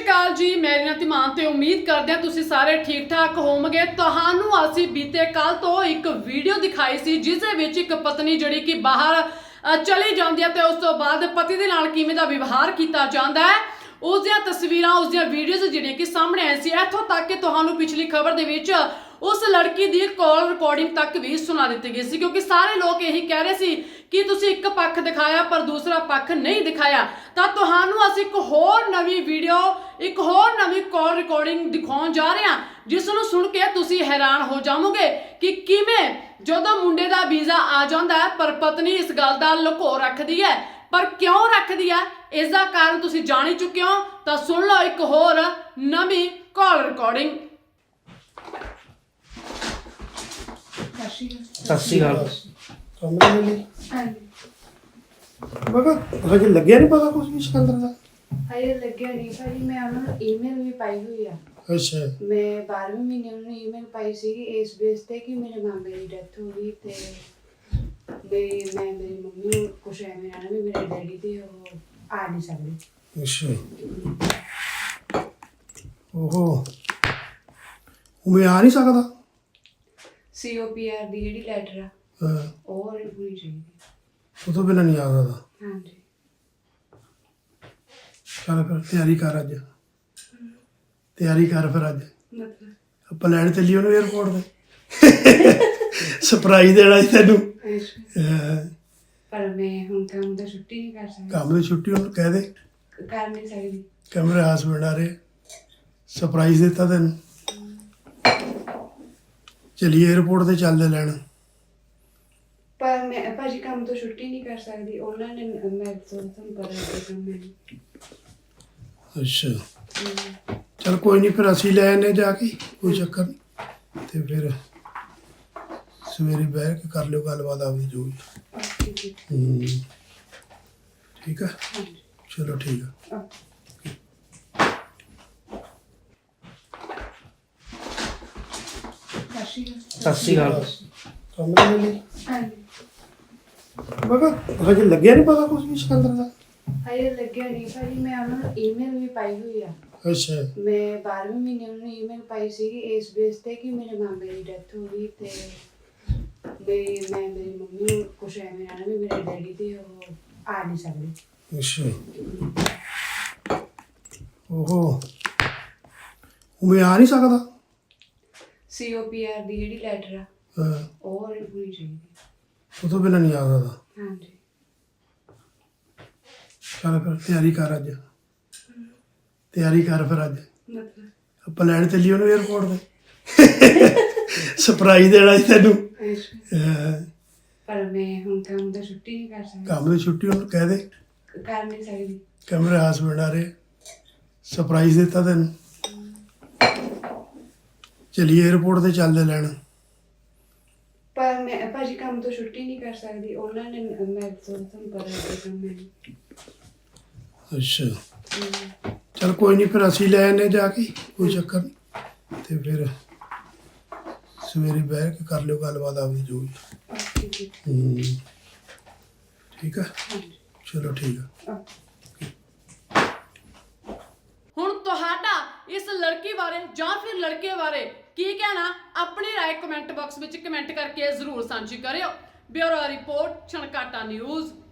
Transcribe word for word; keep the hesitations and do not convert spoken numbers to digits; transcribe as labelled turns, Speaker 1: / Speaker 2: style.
Speaker 1: श्री अकाल जी, मैं रीना धीमान ते उम्मीद करदे हां तुसीं सारे ठीक ठाक होवोगे। तुहानूं असीं बीते कल तो एक वीडियो दिखाई सी जिस दे विच एक पत्नी जिहड़ी कि बाहर चली जांदी है ते उस तो बाद पति दे नाल किवें दा व्यवहार कीता जांदा है, उस दियां तस्वीरां उस दियां वीडियोज़ जिहड़ियां कि सामने आई सी। इत्थों तक कि तुहानूं पिछली खबर दे विच उस लड़की दी कॉल रिकॉर्डिंग तक भी सुना दी गई सी, क्योंकि सारे लोग यही कह रहे सी कि तुसीं एक पक्ष दिखाया पर दूसरा पक्ष नहीं दिखाया। तां तुहानूं असीं एक होर नवीं वीडियो एक होर नवीं कॉल रिकॉर्डिंग दिखाउण जा रहे हां, जिस नूं सुण के तुसीं हैरान हो जावोगे कि किवें जदों मुंडे दा वीज़ा आ जांदा है पर पत्नी इस गल दा लुको रखदी है। पर क्यों रखदी है इसका कारण तुसीं जाण ही चुके हो। तां सुन लो एक होर नवीं कॉल रिकॉर्डिंग।
Speaker 2: सत श्री अकाल।
Speaker 3: कमरे में मगर हजे लग्या नहीं पता कुछ भी सिकंदर दा।
Speaker 4: हजे लग्या नहीं भाजी, मैं उन्होंने ईमेल भी पाई हुई है।
Speaker 3: अच्छा
Speaker 4: मैं बारहवें महीने उन्होंने ईमेल पाई सी इस बेस ते कि मेरे मामे की डेथ हो गई ते बे मैं मेरी मम्मी नूं कुछ एवें रहना भी मेरे डैडी ते वो आ नहीं सकदे।
Speaker 3: अच्छा ओहो मैं आ नहीं सकदा।
Speaker 4: सी ओ पी आर दी जेहड़ी लैटर आ
Speaker 3: हाँ
Speaker 4: ਉਹ ਹੋਣੀ ਚਾਹੀਦੀ।
Speaker 3: ਉਹ ਤੋਂ ਬਿਨਾਂ ਨਹੀਂ ਆ ਸਕਦਾ।
Speaker 4: ਹਾਂਜੀ
Speaker 3: ਚੱਲ ਫਿਰ ਤਿਆਰੀ ਕਰ ਅੱਜ ਤਿਆਰੀ ਕਰ ਫਿਰ ਅੱਜ
Speaker 4: ਮਤਲਬ
Speaker 3: ਆਪਾਂ ਲੈਣ ਚੱਲੀਏ ਉਹਨੂੰ 에어ਪੋਰਟ ਤੇ ਸਰਪ੍ਰਾਈਜ਼ ਦੇਣਾ ਸੀ ਤੈਨੂੰ। ਹਾਂ,
Speaker 4: ਪਰ ਮੈਂ ਹੁਣ ਕੰਮ ਦਾ ਛੁੱਟੀ ਨਹੀਂ ਕਰ ਸਕਦੀ।
Speaker 3: ਕੰਮ ਦੀ ਛੁੱਟੀ ਉਹਨੂੰ ਕਹਿ ਦੇ
Speaker 4: ਕਰ ਨਹੀਂ ਸਕਦੀ।
Speaker 3: ਕਮਰੇ ਹਸਬੈਂਡ ਆ ਰਹੇ ਸਰਪ੍ਰਾਈਜ਼ ਦਿੱਤਾ ਤੈਨੂੰ। ਚਲੀਏ 에어ਪੋਰਟ ਤੇ ਚੱਲਦੇ ਲੈਣ।
Speaker 4: ਪਰ ਮੈਂ ਭਾਜੀ ਕੰਮ ਤੋਂ ਛੁੱਟੀ ਨਹੀਂ ਕਰ ਸਕਦੀ। ਉਹਨਾਂ ਨੇ ਮੈਂ ਤੁਹਾਨੂੰ ਪਤਾ ਹੈ ਕੰਮ ਮੈਨੂੰ।
Speaker 3: ਅੱਛਾ ਚਲ ਕੋਈ ਨਹੀਂ ਫਿਰ ਅਸੀਂ ਲੈ ਆਨੇ ਜਾ ਕੇ, ਕੋਈ ਚੱਕਰ ਨਹੀਂ। ਤੇ ਫਿਰ ਸਵੇਰੇ ਬਹਿ ਕੇ ਕਰ ਲਿਓ ਗੱਲਬਾਤ ਆਪਣੀ ਜੋ ਵੀ। ਹੂੰ ਠੀਕ ਆ ਚਲੋ ਠੀਕ ਆ।
Speaker 2: सत श्री अकाल।
Speaker 3: ਕਮਰੇ ਲਈ ਮगर ਹਜੇ ਲੱਗਿਆ ਨਹੀਂ ਪਤਾ ਕੁਝ ਵੀ ਸਿਕੰਦਰ ਦਾ।
Speaker 4: ਹਜੇ ਲੱਗਿਆ ਨਹੀਂ ਭਾਜੀ, ਮੈਂ ਉन्होंने ईमेल भी पाई हुई है।
Speaker 3: ਅੱਛਾ
Speaker 4: मैं बारहवें महीने उन्होंने ईमेल पाई सी इस बेस ते कि मेरे मामे की डेथ हो गई ते बे मैं मेरी मम्मी नूं कुछ एवें रहना भी मेरे डैडी ते वो आ नहीं सकदे।
Speaker 3: ਅੱਛਾ ਓਹੋ ਮੈਂ ਆ ਨਹੀਂ ਸਕਦਾ।
Speaker 4: सी ओ पी आर दी जेहड़ी लैटर आ
Speaker 3: ਹਾਂ
Speaker 4: ਉਹ ਹੋਣੀ ਚਾਹੀਦੀ।
Speaker 3: ਉਹ ਤੋਂ ਬਿਨਾਂ ਨਹੀਂ ਆ ਸਕਦਾ।
Speaker 4: ਹਾਂਜੀ
Speaker 3: ਚੱਲ ਫਿਰ ਤਿਆਰੀ ਕਰ ਅੱਜ ਤਿਆਰੀ ਕਰ ਫਿਰ ਅੱਜ
Speaker 4: ਮਤਲਬ
Speaker 3: ਆਪਾਂ ਲੈਣ ਚੱਲੀਏ ਉਹਨੂੰ 에어ਪੋਰਟ ਤੇ ਸਰਪ੍ਰਾਈਜ਼ ਦੇਣਾ ਸੀ ਤੈਨੂੰ। ਹਾਂ,
Speaker 4: ਪਰ ਮੈਂ ਹੁਣ ਕੰਮ ਦਾ ਛੁੱਟੀ ਨਹੀਂ ਕਰ ਸਕਦੀ।
Speaker 3: ਕੰਮ ਦੀ ਛੁੱਟੀ ਉਹਨੂੰ ਕਹਿ ਦੇ
Speaker 4: ਕਰ ਨਹੀਂ ਸਕਦੀ।
Speaker 3: ਕਮਰੇ ਹਸਬੈਂਡ ਆ ਰਹੇ ਸਰਪ੍ਰਾਈਜ਼ ਦਿੱਤਾ ਤੈਨੂੰ। ਚਲੀਏ 에어ਪੋਰਟ ਤੇ ਚੱਲਦੇ ਲੈਣ।
Speaker 4: ਪਰ ਮੈਂ ਭਾਜੀ ਕੰਮ ਤੋਂ ਛੁੱਟੀ ਨਹੀਂ ਕਰ ਸਕਦੀ। ਉਹਨਾਂ ਨੇ ਮੈਂ ਤੁਹਾਨੂੰ ਪਤਾ ਹੈ ਕੰਮ ਮੈਨੂੰ।
Speaker 3: ਅੱਛਾ ਚਲ ਕੋਈ ਨਹੀਂ ਫਿਰ ਅਸੀਂ ਲੈ ਆਨੇ ਜਾ ਕੇ, ਕੋਈ ਚੱਕਰ ਨਹੀਂ। ਤੇ ਫਿਰ ਸਵੇਰੇ ਬਹਿ ਕੇ ਕਰ ਲਿਓ ਗੱਲਬਾਤ ਆਪਣੀ ਜੋ ਵੀ। ਹੂੰ ਠੀਕ ਆ ਚਲੋ ਠੀਕ ਆ।
Speaker 1: ਹੁਣ ਤੁਹਾਡਾ ਇਸ ਲੜਕੀ ਬਾਰੇ ਜਾਂ ਫਿਰ ਲੜਕੇ ਬਾਰੇ ਕੀ ਕਹਿਣਾ, ਆਪਣੀ ਰਾਏ ਕਮੈਂਟ ਬਾਕਸ ਵਿੱਚ ਕਮੈਂਟ ਕਰਕੇ ਜ਼ਰੂਰ ਸਾਂਝੀ ਕਰਿਓ। Bureau report Chhankata news.